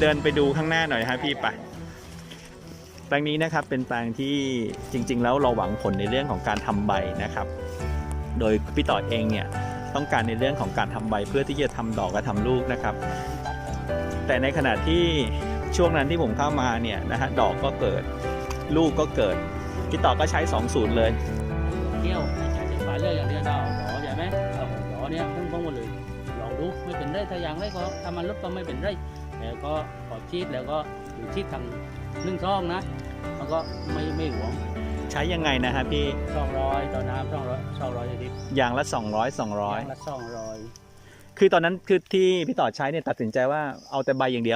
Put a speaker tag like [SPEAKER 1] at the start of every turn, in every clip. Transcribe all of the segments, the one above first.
[SPEAKER 1] เดินไปดูข้างหน้าหน่อยครับพี่ไปแปลงนี้นะครับเป็นแปลงที่จริงๆแล้วเราหวังผลในเรื่องของการทำใบนะครับโดยพี่ต่อเองเนี่ยต้องการในเรื่องของการทำใบเพื่อที่จะทำดอกและทำลูกนะครับแต่ในขณะที่ช่วงนั้นที่ผมเข้ามาเนี่ยนะฮะดอกก็เกิดลูกก็เกิดพี่ต่อก็ใช้2 สูตรเลย
[SPEAKER 2] เที่ยวใช้ฝาเลือกอย่างเดียวดาวดอใช่ไหมเอาดอเนี่ยพุ่งๆมาเลยลองดูไม่เป็นไรถ้าอย่างไรก็ถ้ามันลดก็ไม่เป็นไรแต่ก็พอชีดแล้วก็อยู่ชีดทาง1 ช่องนะมันก็ไม่หวง
[SPEAKER 1] ใช้ยังไงนะฮะพี่
[SPEAKER 2] 200ต่อน้ำ200ลิตร
[SPEAKER 1] อย่างละ200
[SPEAKER 2] อย่างละ200
[SPEAKER 1] คือตอนนั้นคือที่พี่ต่อใช้เนี่ยตัดสินใจว่าเอาแต่ใบอย่างเดียว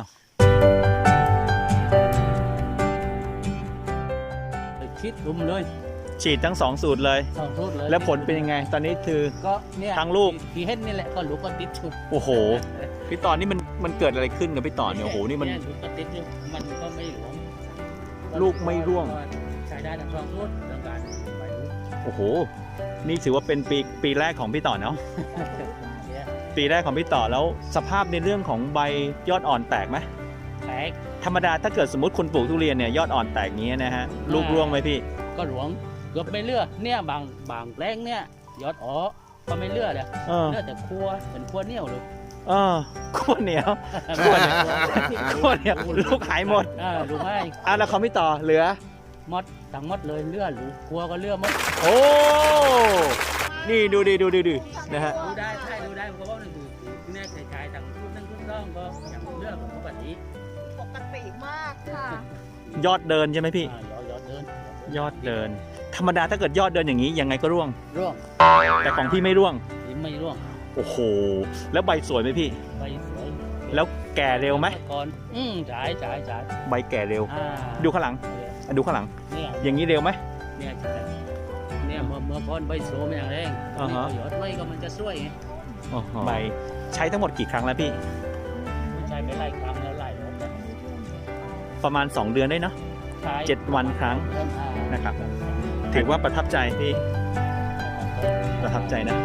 [SPEAKER 2] ชีดรุมเลย
[SPEAKER 1] ฉีดทั้ง2 สูตรเลย
[SPEAKER 2] 2 สูตรเลย
[SPEAKER 1] แล้วผลเป็นยังไงตอนนี้คือ
[SPEAKER 2] ก็เนี่ย
[SPEAKER 1] ทั้งลูก
[SPEAKER 2] ที่เห็นนี่แหละก็ลูกก็ติดชุด
[SPEAKER 1] โอ้โหพี่ต่อนี่มันเกิดอะไรขึ้นกับพี่ต่อเนี่ยโอ้โหนี่มัน
[SPEAKER 2] ลูกก็ติดอยู่มันก็ไม่หลวม
[SPEAKER 1] ลูกไม่ร่วง
[SPEAKER 2] ใช้ได้ทั้ง2 สูตรเรื่องการใบลูก
[SPEAKER 1] โอ้โหนี่ถือว่าเป็นปีแรกของพี่ต่อเนาะปีแรกของพี่ต่อแล้วสภาพในเรื่องของใบยอดอ่อนแตกไหม
[SPEAKER 2] แตก
[SPEAKER 1] ธรรมดาถ้าเกิดสมมติคุณปลูกทุเรียนเนี่ยยอดอ่อนแตกงี้นะฮะลูกร่วงไหมพี่
[SPEAKER 2] ก็หลวงเกือบไม่เลือเนี่ยบางแปลงเนี่ยยอดอ๋อก็ไม่เลือเลยเลือแต่คั่วเป็นคั่วเหนียวเลย
[SPEAKER 1] คั่วเหนียวคั่วเหนียวลูกหายหมด
[SPEAKER 2] ลูกให้
[SPEAKER 1] แล้วเขาไม่ต่อเหลือ
[SPEAKER 2] มดทั้งมดเลยเลือดลูกคั่วก็เลือดมด
[SPEAKER 1] โอ้นี่ดูนะฮะ
[SPEAKER 2] ดูได้ใช่ดูได้เพราะว่านั่นคือแน่ใจทางทุกต้องก็อย่างเลือดปกติ
[SPEAKER 3] มากค่ะ
[SPEAKER 1] ยอดเดินใช่ไหมพี่ยอดเดินธรรมดาถ้าเกิดยอดเดินอย่างนี้ยังไงก็ร่วงแต่ของพี่ไม่ร่วงโอ้โหแล้วใบสวยไหมพี่
[SPEAKER 2] ใบสวย
[SPEAKER 1] แล้วแก่เร็วไหม
[SPEAKER 2] ก่อนจ่าย
[SPEAKER 1] ใบแก่เร็วดูข้างหลังอย่างนี้เร็วไหม
[SPEAKER 2] เนี่ยเมื่อก่อนใบสวยไม่อย่างแรงยอดไม่ก็มันจะสวยไง
[SPEAKER 1] ใบใช้ทั้งหมดกี่ครั้งแล้วพี่
[SPEAKER 2] ใช้ไปหลายครั้งแล้วหลายรอบ
[SPEAKER 1] ประมาณ2 เดือนได้เนาะ7 วันครั้งนะครับถือว่าประทับใจพี่ประทับใจนะ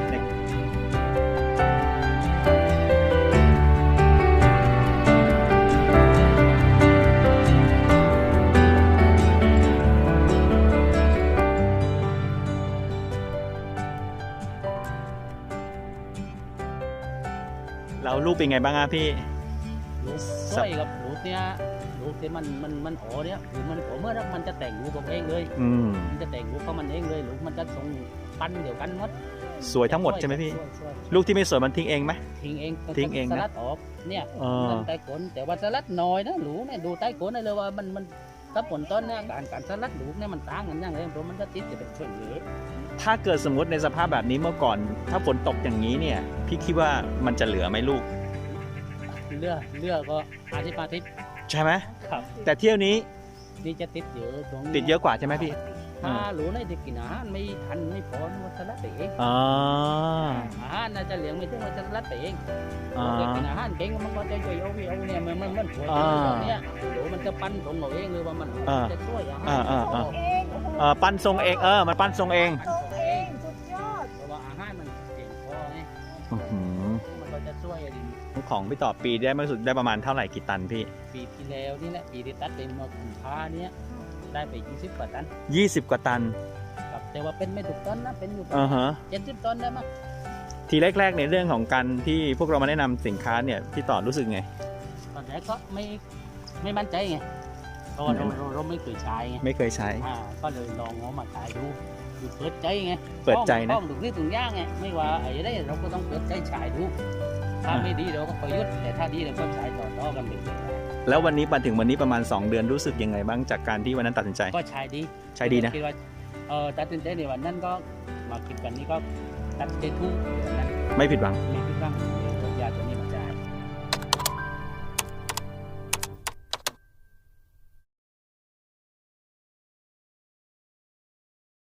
[SPEAKER 1] แล้วลูกเป็นไงบ้างอะพี่
[SPEAKER 2] สวยกับลูกเนี่ยลูกที่มันโอเนี่ยคือมันโอเมื่อมันจะแต่งลูกของเองเลยมันจะแต่งลูกของมันเองเลยลูกมันจะส่งปั้นเดียวกันหมด
[SPEAKER 1] สวยทั้งหมดใช่ไหมพี่ลูกที่ไม่สวยมันทิ้งเองไหม
[SPEAKER 2] ทิ้งเองสลัดออกเนี่ยใต้ก้นแต่ว่าสลัดน้อยนะลูกเนี่ยดูใต้ก้นได้เลยว่ามันถ้าผลต้นเนี่ยการสลัดลูกเนี่ยมันต่างกันอย่างไรเพราะมันจะติดจะเป็นส่วนเหลือ
[SPEAKER 1] ถ้าเกิดสมมติในสภาพแบบนี้เมื่อก่อนถ้าฝนตกอย่างนี้เนี่ยพี่คิดว่ามันจะเหลือไหมลูก
[SPEAKER 2] เลือก็อาทิตย์
[SPEAKER 1] ใช่ไหม
[SPEAKER 2] ครับ
[SPEAKER 1] แต่เที่ยวนี้
[SPEAKER 2] นี่จะติดเยอะ
[SPEAKER 1] ติดเยอะกว่าใช่ไหมพี่
[SPEAKER 2] ถ้าหลูได้กินอาหารไม่ทันไม่พอมันจะรัดไปเองอาหารน่าจะเลี้ยงไม่ถึงมันจะรัดไปเองกินอาหารเก่งมันก็จะช่วยเอาเนี่ยมันช่วยเนี่ยหลูมันจะปั้นตรงเราเองเลยว่ามันจะช่วย
[SPEAKER 1] ปั้นทรงเองมันปั้นทรงเอง
[SPEAKER 3] สุดยอด
[SPEAKER 2] เพราะว่าอาหารมันเก่งพอไงมันก็จะช่วย
[SPEAKER 1] ของพี่ต่อปีได้มากสุดได้ประมาณเท่าไหร่กี่ตันพี่
[SPEAKER 2] ปีที่แล้วนี่แหละปีที่ตัดเป็นมากุมภาเนี่ยได้ไป20 กว่าตัน
[SPEAKER 1] 20 กว่าตัน
[SPEAKER 2] ครับแต่ว่าเป็นไม่ถูกต้นนะเป็นอยู่70 ต้นได้มั้ย
[SPEAKER 1] ทีแรกๆในเรื่องของการที่พวกเรามาแนะนำสินค้าเนี่ยพี่ต่อรู้สึกไง
[SPEAKER 2] ตอนแรกก็ไม่มั่นใจไงเพราะเราไม่เคยใช้ไงก็เลยลองเอามาขายดูเปิดใจไง
[SPEAKER 1] เปิดใจนะ
[SPEAKER 2] ต้องถึงนี่ถึงย่างไงไม่ว่าไอ้ไรเราก็ต้องเปิดใจฉายดูถ้าไม่ดีเราก็ประยุทธ์แต่ถ้าดีเราก็ใช้ต่อกันไป
[SPEAKER 1] แล้ววันนี้มาถึงวันนี้ประมาณ2 เดือนรู้สึกยังไงบ้างจากการที่วันนั้นตัดสินใจ
[SPEAKER 2] ก็ใช้ดีนะคิดว่าตัดสินใจในวันนั้นก็มาคิดกันนี้ก็ตัดใจทุก
[SPEAKER 1] ไม่ผิดหวัง